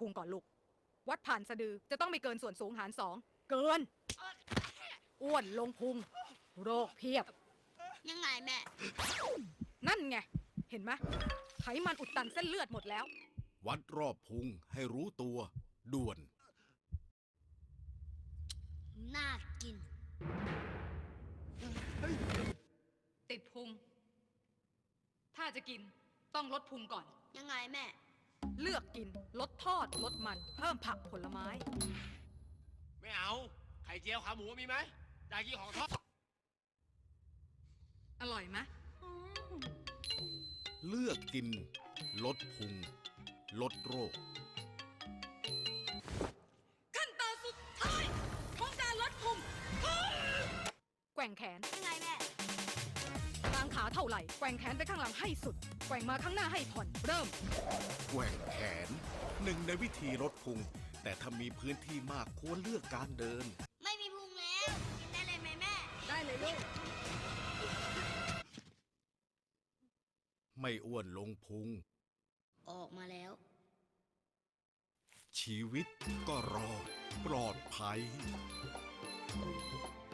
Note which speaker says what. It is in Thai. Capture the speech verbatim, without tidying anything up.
Speaker 1: พุงก่อนลูกวัดผ่านสะดือจะต้องไม่เกินส่วนสูงหารสองเกินอ้วนลงพุงโรคเพียบ
Speaker 2: ยังไงแม่
Speaker 1: นั่นไงเห็นไหมไขมันอุดตันเส้นเลือดหมดแล้ว
Speaker 3: วัดรอบพุงให้รู้ตัวด่วน
Speaker 2: น่ากิน
Speaker 1: ติดพุงถ้าจะกินต้องลดพุงก่อน
Speaker 2: ยังไงแม่
Speaker 1: เลือกกินลดทอดลดมันเพิ่มผักผลไม้
Speaker 4: ไม่เอาไข่เจียวขาหมูมีไหมอยากกินของทอด
Speaker 1: อร่อยไหม
Speaker 3: เลือกกินลดพุงลดโรค
Speaker 1: ขั้นตอนสุดท้ายของการลดพุงแกว่งแขน
Speaker 2: ยังไงแม่
Speaker 1: กลางขาเท่าไหร่แกว่งแขนไปข้างหลังให้สุดแกว่งมาข้างหน้าให้ผ่อนเริ่ม
Speaker 3: แกว่งแขนหนึ่งในวิธีลดพุงแต่ถ้ามีพื้นที่มากควรเลือกการเดิน
Speaker 2: ไม่มีพุงแล้วกินได้เลยไหมแม่
Speaker 1: ได้เลยลูก
Speaker 3: ไม่อ้วนลงพุง
Speaker 2: ออกมาแล้ว
Speaker 3: ชีวิตก็รอดปลอดภัย